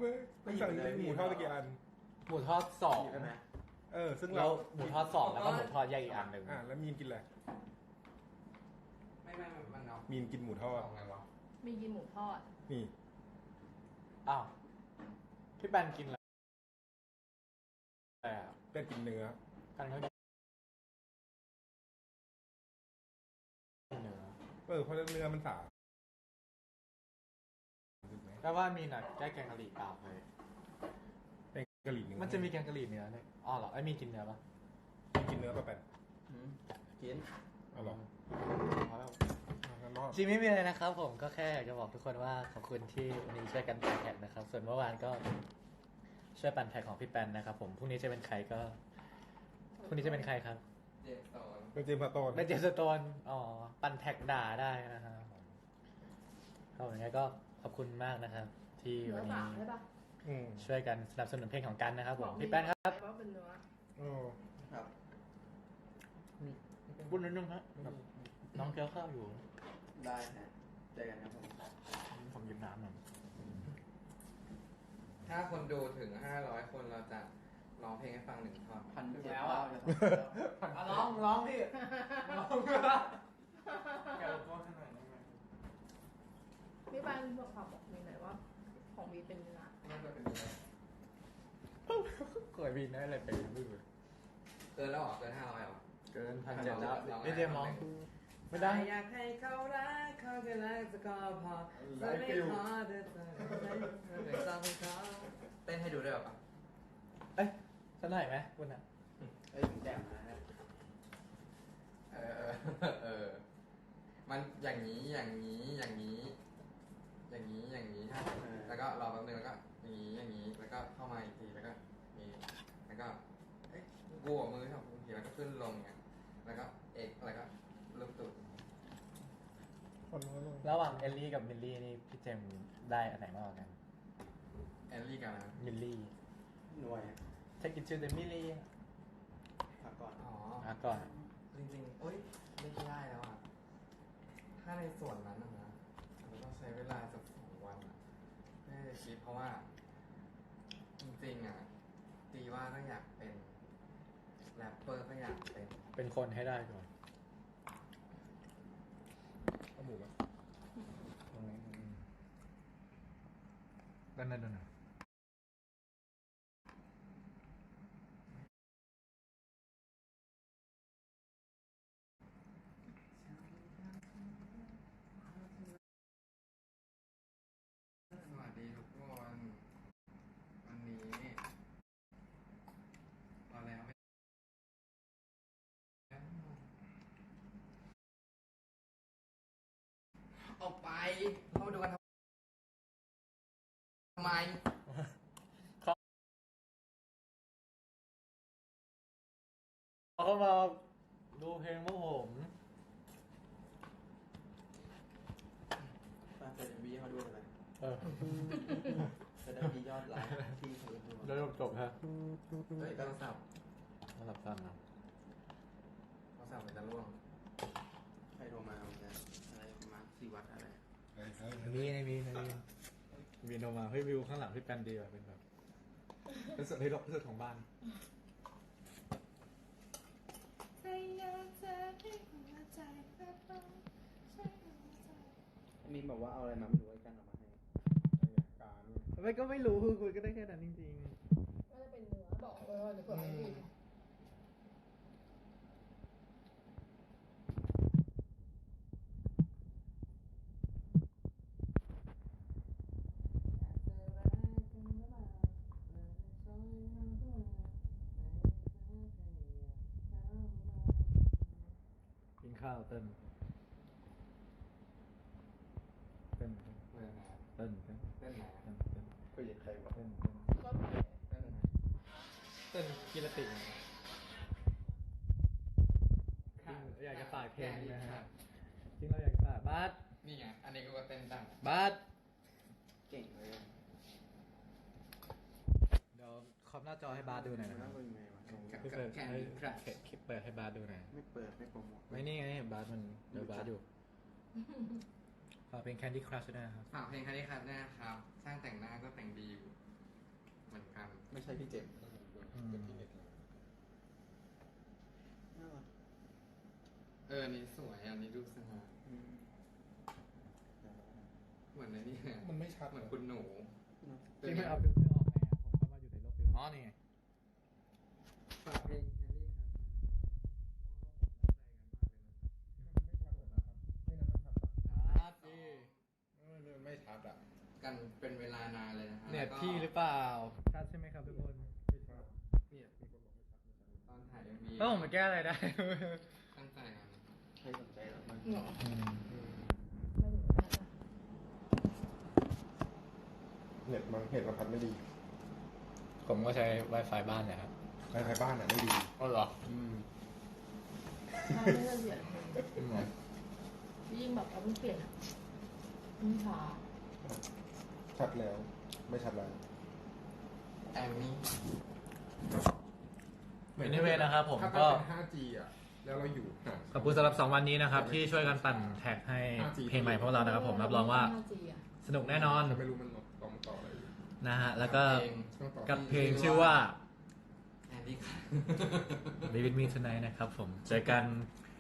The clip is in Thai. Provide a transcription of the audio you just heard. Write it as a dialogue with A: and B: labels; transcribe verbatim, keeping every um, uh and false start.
A: ไม่สั่งหมูทอดตะกี้อัน
B: หมูทอดสอง
C: ใช่ไหม
A: เออซึ่ง
B: แล้
A: เรา
B: วหมูทอดสองแล้วก็หมูทอดแยกอีกอันหนึ่ง
A: อ่าแล้วมีนกินอะไร
D: ไม่ไม่มันเอา
A: มีนกินหมูทอด
D: เอาไงวะ
E: มีกินหมูทอด
A: นี่
B: อ้าวพี่แปนกินอะไรอ่ะ
A: เป็ดกินเนื้อ
B: กันเขากินเนื้อ
A: เออเพราะเนื้อมันสาถูกไหม
B: แต่ว่ามีน่ะแก้แกงกะหรี่เปล่าเลย
A: เป็นกะหรี่เนื้อ
B: มันจะมีแกงกะหรี่เนื้อเลยอ๋อเหรอไอ้มีกินเนื้อปะ
A: มีกินเนื้อป่ะแปน
C: อืมกิน
A: เอาหรอ
B: เอาแล้ว
A: เอางั้นรอด
B: จริงไม่มีอะไรนะครับ ผมก็แค่อยากจะบอกทุกคนว่าขอบคุณที่วันนี้ช่วยกันปั่นแท็กนะครับ ส่วนเมื่อวานก็ช่วยปั่นแท็กของพี่แปนนะครับผมพรุ่งนี้จะเป็นใครก็พรุ่งนี้จะเป็นใครครับ
D: เจ็บสอน
A: เป็นเจมส์พาโตน
B: เป็นเจมส์สโตนอ๋อปั่นแท็กด่าได้นะครับผมครับอย่างนี้ก็ขอบคุณมากนะครับ ที่
E: เนื้
B: วั
E: อน
B: นี้
E: สามใช่ปะ
A: อืม
B: ช่วยกันสนับสนุนเพลงของกันนะครับผมพี่แป้นครับ
E: ว่าเป็นเนื้อ
A: โอ้
C: ครับ
B: พูดนิดนึงฮะน้องเคี้ยวข้าวอยู่
C: ได้ฮะเจอกันครับผม
B: ผมหยิบน้ำหน่อย
D: ถ้าคนดูถึงห้าร้อยคนเราจะร้องเพลงให้ฟังหนึ่งท่อน
C: พันเจ็ด
D: แล้ว
C: เก้า
D: อ่ะ
C: จะ
B: ร้องร้องพี่ร้องแกลก็ขนาดนี้
E: พี่ปานบอกความบอกมีหน่อยว่า ของวีเป็นเนื้อ
D: น่าจะเป็นเนื้อ
B: เคยบินได้อะไรเป็นไม่รู้
D: เกินแล้วเหรอเกินห้าร้อยเหรอ
B: เกินพันเจ็ดแล้ว
D: ลอง
B: ไม่เดียมองไม่ได้
D: อยากให้เขารักเขาแค่รักจะก็พอจะไม่ขอเธอเธอไม่ต้องให้เขาเต้นให้ดูได้หรอปะ
B: เอ้ยสักหน่อยไหมคุณอ่ะ
C: เอ้ยผมแจ่มนะฮะ
D: เออเออเออ มันอย่างนี้อย่างนี้อย่างนี้ อย่างนี้อย่างนี้ฮะแล้วก็รอแป๊บนึงแล้วก็อย่างนี้อย่างนี้แล้วก็เข้ามาอีกทีแล้วก็นี่แล้วก็เอ๊ะกูกับมือทำทีแล้วก็ขึ้นลงไงแล้วก็เอกแล้วก็ลูกตุ่
A: คนน้อยลง
B: ระหว่างเอลลี่กับมิลลี่นี่พี่เจมส์ได้อันไหนมากกว่ากัน
D: แอลลี่กันนะ
B: มิลลี่
C: หน่วย
B: Take it to the มิลลี่
C: พักก่อน
D: อ๋อ
B: อ่ะก่อน
D: จริงๆโอ๊ยไม่ได้แล้วอ่ะถ้าในส่วนนั้นนะนะเราต้องใช้เวลาสักสองวันอ่ะไม่ได้คิดเพราะว่า จริงๆอ่ะตีว่าถ้าอยากเป็นแรปเปอร์ก็อยากเป็น
B: เป็นคนให้ได้ก่อน
A: เอาหมูมา
B: ด้านนั้นด้านนั้น
D: สวัสดีทุกคนวันนี้พอแล้วไม่ออกไปเข้ามาดูกันทำไม
B: เขาก็มาดูเพลงพวกผม
C: ตามเซนบีเขาด้วยอะไร
B: เออ
C: จะได้มียอดไลค์ที่เขาดู
B: แล้วจบฮะ
D: เฮ้ยโทรศัพท์
B: สำหรับสั้นนะ
D: โทรศัพท์มันจะร่วง
C: ใครโทรมาเหมือนกันอะไรประมาณสี่วัดอะไร
A: เฮ้ยเฮ้ย
B: มีในมีในมีมีโนมาเฮ้ยวิวข้างหลังพี่แปนดีว่ะเป็นแบบเป็นสุดที่รกที่สุดของบ้าน
C: มีบอกว่าเอาอะไรมาไม่รู้ไอ้กันเอามาให้
A: การ
B: ไม่ก็ไม่รู้คือคุยก็ได้แค่นั้นจริง
E: น่าจะเป็นเนื้อบอกเลยว่าเดี๋ยวเผื่อไม่กิน
B: ๆกินข้าวเต้นเต้น
D: เรื่องไหน
B: เต้นเต้น
D: เรื่องไหน
B: เต้นเต้น
C: คุยกับใครวะ
B: เต้นเต้น
E: ก็เผ็ด
D: เรื่องไหน
B: เต้นกีฬาติกอยากจะฝากเพลงนะฮะจริงเราอยากฝากบาส
D: นี่ไงอันนี้กูก็เต้นตั้ง
B: บาส
C: เก่งเลย
B: เดี๋ยวขอบหน้าจอให้บาสดูหน่อยนะค
C: น่า
B: รับ
C: เป็นไงวะ
B: พี่เปิดให้คลิปเปิดให้บาสดูหน่อย
C: ไม่เปิดไม่โปรโมท
B: ไม่นี่ไงบาสมันเดี๋ยวบาสอยู่ฝากเพลง Candy Crush ด้วยนะครับ
D: ฝากเพลงคันนี้ครับนะครับ สร้างแต่งหน้าก็แต่งดีอยู่เหมือนกัน
C: ไม่ใช่พี่เจมส์
A: เป็นที่เน็ตเลย
C: น่ารัก
D: เอออันนี้สวยอันนี้ดูสง่า
C: อืม
D: เหมือนในนี่ไง
A: มันไม่ชัด
D: เหมือนคุณหนู
B: ที่ไม่เอาฟิลเตอร์ออกไงอะผมก็มาอยู่ในโลกฟิลเตอร์อ๋อนี่ไง
D: ฝากเพลงแฮร์รี่ครับ
A: ไม่ชัดเลยนะครับไม่นั้นชัดปะ
B: ชัดดิ
A: เออเนี่ยไม่ชัดอ่ะ
D: กันเป็นเวลานานเลยนะฮะ
B: เน็ต
D: แล้วก็
B: พี่หรือเปล่าชัดใช่ไหมครับทุกคน
A: ไม่ชัดเนี่ยมีคนบอกไม่ชัดไม่ชัด
D: ตอนถ่ายเอ็มวี
B: แล้วผมมาแก้อะไรได้
D: ตั้งใจกัน
C: ใครสนใจหรอมัน
E: เหรอ
B: อืม
A: อืม
E: ไม่ถึงขนาดนั้น
A: เน็ตมันเน็ตมันพัดไม่ดี
B: ผมก็ใช้ Wi-Fi บ้านเนะครับ
A: ใครๆบ้านอ่ะไม่ดี
B: อ๋อเหรอ
A: อืม
E: ถ้าไม่ได้เปลี่ยนเลยยิ่งแบบเราเพิ่งเปลี่ยนอ่ะยิ่งช้า
A: ชัดแล้ว ไม่ชัดแล้ว
D: แอมมี่
B: Anyway นะครับผม
A: ถ้า
B: ก็
A: เป็น ห้าจี อ่ะ แล้วเราอยู่ห่าง
B: ขอบคุณสำหรับสองวันนี้นะครับ ที่ช่วยกันปั่นแท็กให้เพลงใหม่พวกเรานะครับผมรับรองว่า
E: ห้าจีอะ
B: สนุกแน่นอน
A: แต่ไม่รู้มันต่อมต่ออะไรอยู่
B: นะฮะ แล้วก็
D: เพลง
A: ต้องต่อ
B: กับเพลงชื่อว่า
D: แฮร์รี่ครับ
B: Be With Me Tonight นะครับผม เจอกัน